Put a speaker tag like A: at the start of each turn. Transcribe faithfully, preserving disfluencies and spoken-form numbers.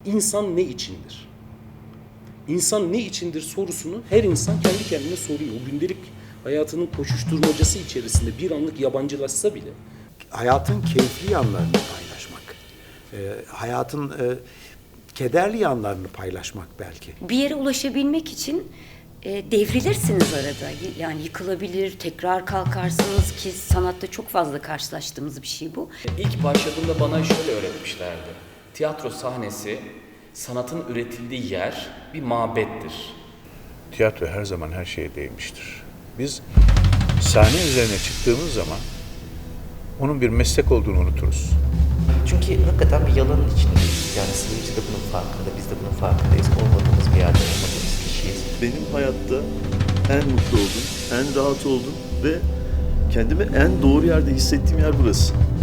A: İnsan ne içindir? İnsan ne içindir sorusunu her insan kendi kendine soruyor. O gündelik hayatının koşuşturmacası içerisinde bir anlık yabancılaşsa bile.
B: Hayatın keyifli yanlarını paylaşmak, e, hayatın e, kederli yanlarını paylaşmak belki.
C: Bir yere ulaşabilmek için e, devrilirsiniz arada. Yani yıkılabilir, tekrar kalkarsınız ki sanatta çok fazla karşılaştığımız bir şey bu.
D: İlk başladığımda bana şöyle öğretmişlerdi. Tiyatro sahnesi, sanatın üretildiği yer bir mabettir.
E: Tiyatro her zaman her şeye değmiştir. Biz sahne üzerine çıktığımız zaman onun bir meslek olduğunu unuturuz.
F: Çünkü hakikaten bir yalanın içindeyiz. Yani seyirci de bunun farkında, biz de bunun farkındayız. Olmadığımız bir yerde olmadığımız kişiyiz.
G: Benim hayatta en mutlu olduğum, en rahat olduğum ve kendimi en doğru yerde hissettiğim yer burası.